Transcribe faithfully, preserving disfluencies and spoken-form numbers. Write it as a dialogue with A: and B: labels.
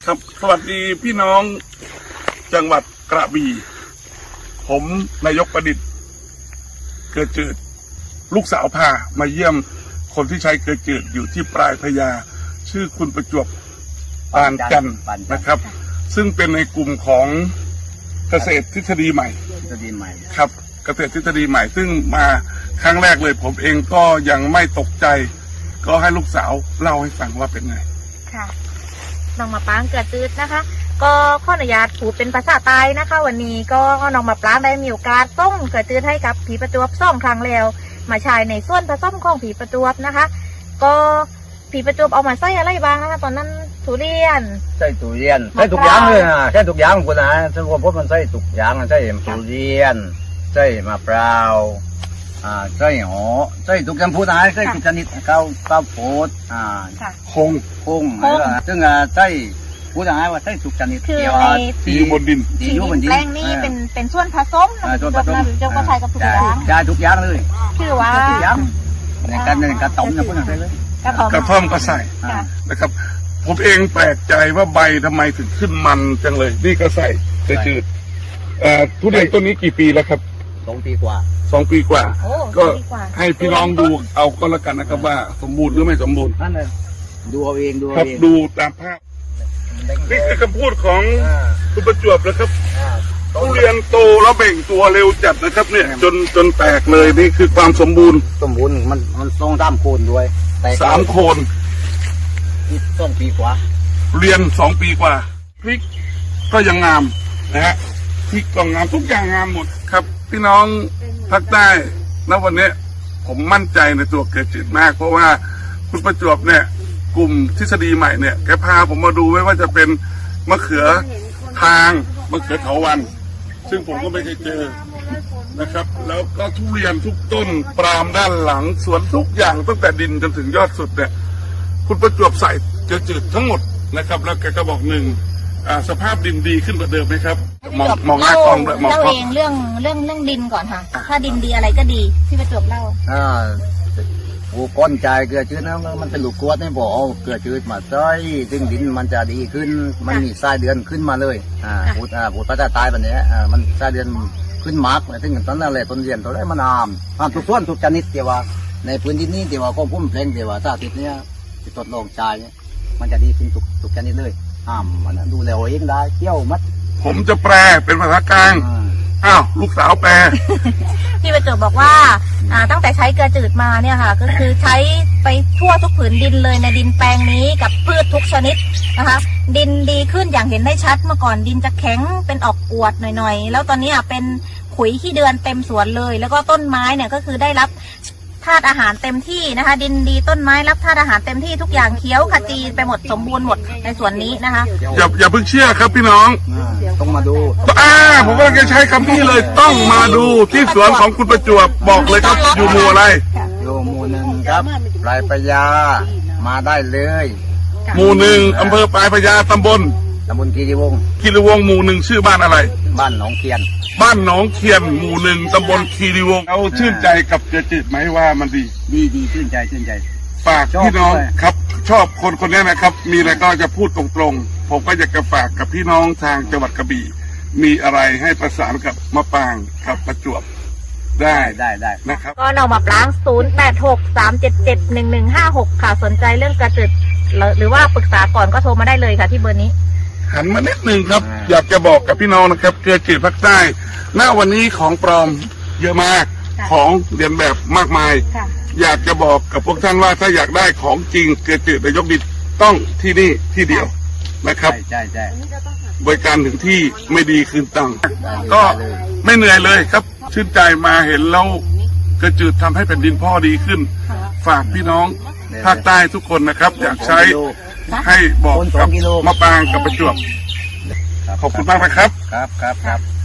A: ครับสวัสดีพี่น้องจังหวัดกระบี่ผมนายกประดิษฐ์เกิดจืดลูกสาวพามาเยี่ยมคนที่ใช้เกิดจืดอยู่ที่ปลายพญาชื่อคุณประจวบปานจันทร์นะครับซึ่งเป็นในกลุ่มของเกษตรทฤษฎีใหม่
B: ทฤษฎีใหม่
A: ครับเกษตรทฤษฎีใหม่ซึ่งมาครั้งแรกเลยผมเองก็ยังไม่ตกใจก็ให้ลูกสาวเล่าให้ฟังว่าเป็นไง
C: ค่ะน้องมะปรางเกิดจืดนะคะ ก็ขออนุญาตพูดเป็นภาษาใต้นะคะ วันนี้ก็น้องมะปรางได้มีโอกาสส่งเกิดจืดให้กับผีประจวบสองครั้งแล้วมาใช้ในส่วนผสมของผีประจวบนะคะ ก็ผีประจวบเอามาใส่อะไรบ้างนะคะตอนนั้นทุเรียน
B: ใส่ทุเรียนใส่ทุกอย่างเลยนะใส่ทุกอย่างคุณนะซึ่งผมพบมันใส่ทุกอย่างใส่ทุเรียนใส่มะพร้าวอ่าใส่หอใส่ทุกอย่างพูดนะใส่ทุกชนิดข้าวข้าวโพดอ่า
A: คง
B: คงซึ่งใส่พูดง่ายว่าใส่ทุกชนิด
C: คือ
B: ใน
A: ที่อยู่บนดิน
C: ที่ดินแปลงนี้เป็นเป็นส่วนผสมนะส่วนผสมเจ้าก็ใช้กับทุกอย่าง
B: ใช่ทุกอย่างเลย
C: คือว่า
B: ทุกอย่างในการในการต้มนะพูดง่ายเลย
A: กระท่อมก็ใส่นะครับผมเองแปลกใจว่าใบทำไมถึงขึ้นมันจังเลยนี่ก็ใส่แต่จืดทุเรียนต้นนี้กี่ปีแล้วครับ
B: สองปีกว่า
A: สองปีกว่าก็ให้พี่น้องดูเอาก็แล้วกันนะครับว่าสมบูรณ์หรือไม่สมบูรณ์
B: นั่นเลยดูเอาเองดู
A: ครับดูตามภาพนี่คือคำพูดของคุณประจวบนะครับทุเรียนโตแล้วเบ่งตัวเร็วจัดนะครับเนี่ยจนจนแตกเลยนี่คือความสมบูรณ์
B: สมบูรณ์มันมันทรงสามโคนด้วย
A: สามโคน
B: สองปีกว่า
A: เรียนสองปีกว่าพริกก็ยังงามนะฮะพริกก็งามทุกอย่างงามหมดครับพี่น้องภาคใต้ณวันนี้ผมมั่นใจในตัวเกิดจืดมากเพราะว่าคุณประจวบเนี่ยกลุ่มทฤษฎีใหม่เนี่ยแกพาผมมาดูไม่ว่าจะเป็นมะเขือทางมะเขือเถาวัลย์ซึ่งผมก็ไม่เคยเจอนะครับแล้วก็ทุเรียนทุกต้นปรามด้านหลังสวนทุกอย่างตั้งแต่ดินจนถึงยอดสุดเนี่ยคุณประจวบใส่เกิดจืดทั้งหมดนะครับแล้วแกก็บอกหนึ่งสภาพดินดีขึ้นกว่าเดิมไหมครับมองมองหน้ากล้องด้วยมอง
C: เล่าเองเรื่องเรื่องเรื่องดินก่อนค่ะถ้าดินดีอะไรก็ดีที่ประจวบเล่า
B: อ่าหูก้นใจเกลือจืดนะมันเป็นลูกกวดนี่บอกเอาเกลือจืดมาใส่ซึ่งดินมันจะดีขึ้นมันมีทรายเดือนขึ้นมาเลยอ่าพูดอ่าพูดภาษาใต้แบบนี้อ่ามันทรายเดือนขึ้นมากซึ่งตอนนั้นเลยต้นเรียนตัวแรกมันอามอ่าทุกส่วนทุกชนิดเดียวว่าในพื้นที่นี้เดียวว่าก็พุ่มเพลงเดียวว่าถ้าติดเนี้ยติดทดลองใจเนี่ยมันจะดีขึ้นทุกทุกชนิดเลยห้ามมันดูแลเองได้เที่ยวมัด
A: ผมจะแปลเป็นภาษากลางอ้าวลูกสาวแปล
C: พี่ประจวบบอกว่าตั้งแต่ใช้เกลือจืดมาเนี่ยค่ะก็คือใช้ไปทั่วทุกผืนดินเลยในดินแปลงนี้กับพืชทุกชนิดนะคะดินดีขึ้นอย่างเห็นได้ชัดเมื่อก่อนดินจะแข็งเป็นออกอวดหน่อยๆแล้วตอนนี้เป็นขุยขี้เดือนเต็มสวนเลยแล้วก็ต้นไม้เนี่ยก็คือได้รับธาตุอาหารเต็มที่นะคะดินดีต้นไม้รับธาตุอาหารเต็มที่ทุกอย่างเคี้ยวขจีไปหมดสมบูรณ์หมดในสวนนี้นะคะ
A: อย่าอย่าเพิ่งเชื่อครับพี่น้อง
B: ต้องมาดู
A: อ่าผมก็จะใช้คำนี้เลยต้องมาดูที่สวนของคุณประจวบบอกเลยครับอยู่หมู่อะไร
B: อยู่หมู่หนึ่งครับปลายพญามาได้เลย
A: หมู่หนึ่งอำเภอปลายพญาตำบล
B: ตำบลคีรีวงศ์
A: คีรีวงศ์หมู่หนึ่งชื่อบ้านอะไร
B: บ้านหนองเคียน
A: บ้านหนองเคียนหมู่หนึ่งตำบลคีรีวงศ์เอาชื่นใจกับเกลือจืดไหมว่ามันดี
B: ดีดีชื่นใจชื่นใจ
A: ฝากพี่น้องครับชอบคนคนนี้นะครับมีอะไรก็จะพูดตรงๆผมก็อยากจะฝากกับพี่น้องทางจังหวัดกระบี่มีอะไรให้ประสานกับมะปรางกับประจวบได้
B: ได้ได้
A: นะครับ
C: ก็น้องมะปรางศูนย์แปดหกสามเจ็ดเจ็ดหนึ่งหนึ่งห้าหกค่ะสนใจเรื่องเกลือจืดหรือว่าปรึกษาก่อนก็โทรมาได้เลยค่ะที่เบอร์นี้
A: หันมานิดหนึ่งครับอยากจะบอกกับพี่น้องนะครับเกลือจืดภาคใต้ณวันนี้ของปลอมเยอะมากของเรียนแบบมากมายอยากจะบอกกับพวกท่านว่าถ้าอยากได้ของจริงเกลือจืดนายกดิษฐ์ต้องที่นี่ที่เดียวนะครับ
B: ใช่ใช่
A: บริการถึงที่ไม่ดีคืนตังค์ก็ไม่เหนื่อยเลยครับชื่นใจมาเห็นแล้วเกลือจืดทำให้แผ่นดินพ่อดีขึ้นฝากพี่น้องภาคใต้ทุกคนนะครับอยากใช้ให้บอกกับมะปรางกับประจวบขอบคุณมากนะครับ
B: ครับครับครับ